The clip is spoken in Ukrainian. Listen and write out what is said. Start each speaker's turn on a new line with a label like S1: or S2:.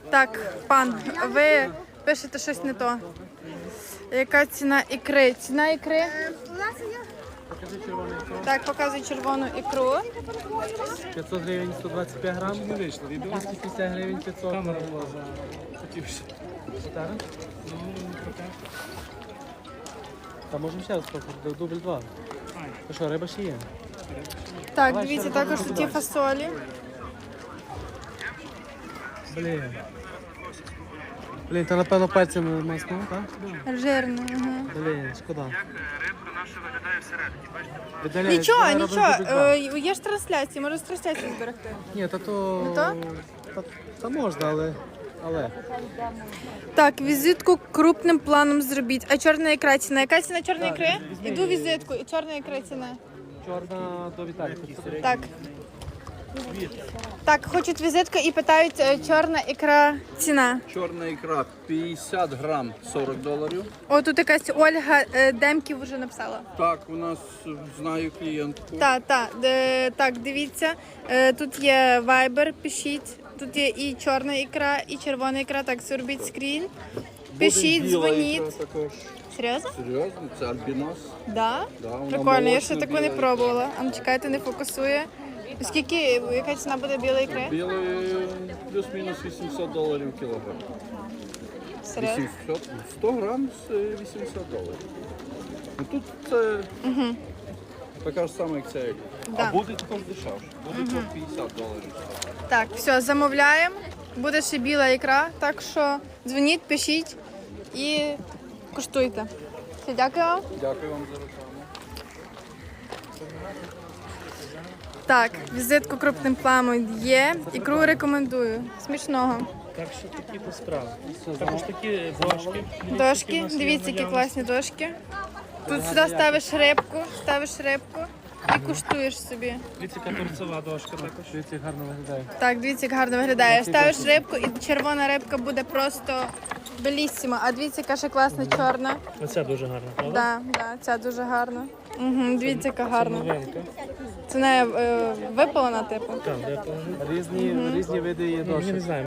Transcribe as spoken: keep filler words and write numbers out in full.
S1: Так, пан, ви пишете щось не то. Яка ціна ікри? Ціна ікри? Так, показуй червону ікру.
S2: п'ятсот гривень сто двадцять п'ять грам. двісті п'ятдесят гривень п'ятсот. Камера була за... Та можемо ще раз спробувати, дубль два. То що, риба ще є?
S1: Так, дивіться, також тут є фасолі.
S2: Блін. Блін, та напевно пальцями маснув, так?
S1: Жирно. Ага.
S2: Блін, шкода.
S3: Рибка наша виглядає всередині, бачите?
S2: Видаляє,
S1: Нічого,
S2: давай
S1: нічого.
S2: робимо дубль два.
S1: Е, Є ж трансляції, може з трансляції зберегти.
S2: Ні, та то...
S1: Не то?
S2: Та, та можна, але... але...
S1: Так, візитку крупним планом зробіть. А чорна ікра ціна? Яка ціна чорної ікри? Іду візитку і чорна ікра ціна.
S2: Чорна до Віталіка.
S1: Так. Так, хочуть візитку і питають, е, чорна ікра ціна.
S4: Чорна ікра п'ятдесят грам сорок доларів.
S1: О, тут якась Ольга е, Демків вже написала.
S4: Так, у нас знаю клієнтку.
S1: Так, так, де, так, дивіться. Е, тут є Viber, пишіть. Тут є і чорна ікра, і червона ікра. Так, зробіть скрін. Пишіть,
S4: Буде біла
S1: дзвоніть.
S4: ікра також.
S1: Серйозно?
S4: Серйозно, це альбінос.
S1: Да?
S4: Да, вона
S1: Прикольно, я ще
S4: молочна,
S1: таку не
S4: біла ікра.
S1: пробувала. А ну чекайте, не фокусує. Скільки, яка ціна буде білої ікри?
S4: Білий плюс-мінус вісімсот доларів кілограм.
S1: Серйозно?
S4: вісімсот, сто грам з вісімсот доларів. Ну, тут це така ж сама, як це.
S1: Да.
S4: А буде також дешевше. Буде по п'ятдесят доларів.
S1: Так, все, замовляємо. Буде ще біла ікра, так що дзвоніть, пишіть і куштуйте. Все, дякую вам.
S4: Дякую вам за рекламу.
S1: Так, візитку крупним планом є. Ікру рекомендую. Смішного.
S5: Так що такі то справи. Також такі дошки.
S1: Дошки, дивіться, які класні дошки. Тут сюди ставиш рибку, ставиш рибку і куштуєш собі.
S5: Дивіться, яка торцева дошка також.
S2: Дивіться, гарно виглядає.
S1: Так, дивіться, як гарно виглядає. Ставиш рибку і червона рибка буде просто белісіма. А дивіться, яка ще класна чорна.
S5: Оця дуже гарна, правда?
S1: Да, да, ця дуже гарна. Угу, дивіться, яка гарна.
S5: Новенька.
S1: Це не е, випалена, типу.
S5: Так, де положити?
S2: Різні, різні види є
S5: Ні,
S2: дошок.
S5: не знаю,